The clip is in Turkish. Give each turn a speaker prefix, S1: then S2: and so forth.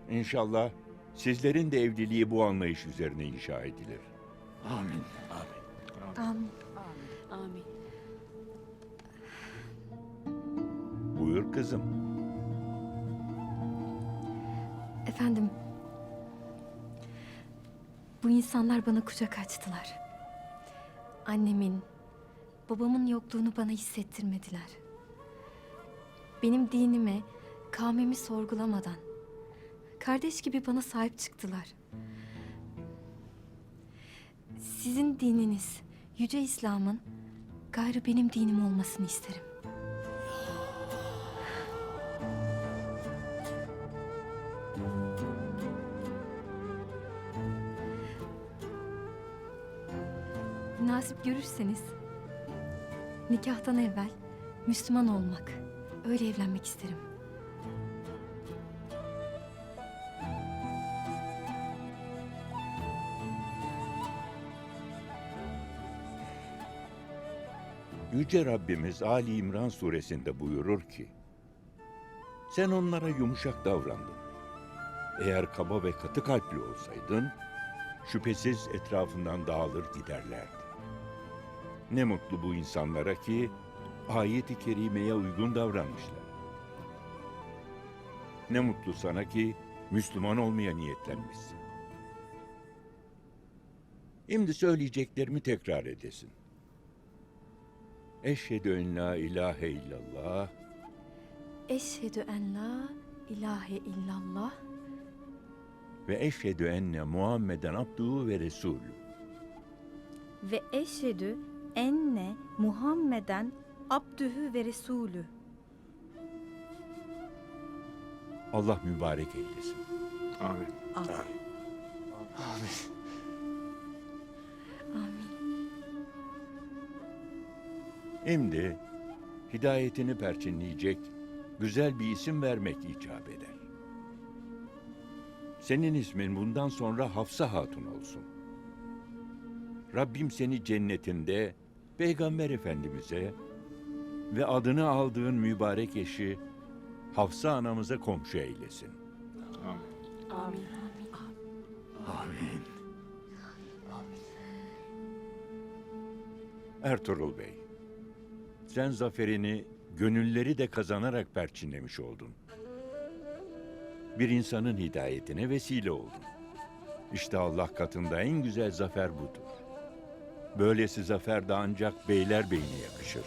S1: İnşallah sizlerin de evliliği bu anlayış üzerine inşa edilir.
S2: Amin.
S3: Amin.
S4: Amin.
S1: Buyur kızım.
S3: Efendim, bu insanlar bana kucak açtılar. Annemin, babamın yokluğunu bana hissettirmediler. Benim dinimi, kavmimi sorgulamadan, kardeş gibi bana sahip çıktılar. Sizin dininiz, Yüce İslam'ın gayrı benim dinim olmasını isterim. Münasip görürseniz nikahtan evvel Müslüman olmak, öyle evlenmek isterim.
S1: Yüce Rabbimiz Ali İmran suresinde buyurur ki, sen onlara yumuşak davrandın. Eğer kaba ve katı kalpli olsaydın, şüphesiz etrafından dağılır giderlerdi. Ne mutlu bu insanlara ki, ayet-i kerimeye uygun davranmışlar. Ne mutlu sana ki, Müslüman olmaya niyetlenmişsin. Şimdi söyleyeceklerimi tekrar edesin. Eşhedü en la ilahe illallah
S3: Eşhedü en la ilahe illallah
S1: ve eşhedü enne Muhammeden abduhu ve resulü.
S5: ve eşhedü enne Muhammeden abdühü ve resulü.
S1: Allah mübarek eylesin.
S2: Amin.
S3: Amin.
S1: Şimdi hidayetini perçinleyecek güzel bir isim vermek icap eder. Senin ismin bundan sonra Hafsa Hatun olsun. Rabbim seni cennetinde Peygamber Efendimiz'e ve adını aldığın mübarek eşi Hafsa anamıza komşu eylesin.
S2: Amin.
S4: Amin.
S2: Amin.
S1: Ertuğrul Bey, sen zaferini gönülleri de kazanarak perçinlemiş oldun. Bir insanın hidayetine vesile oldun. İşte Allah katında en güzel zafer budur. Böylesi zafer de ancak beylerbeyine yakışır.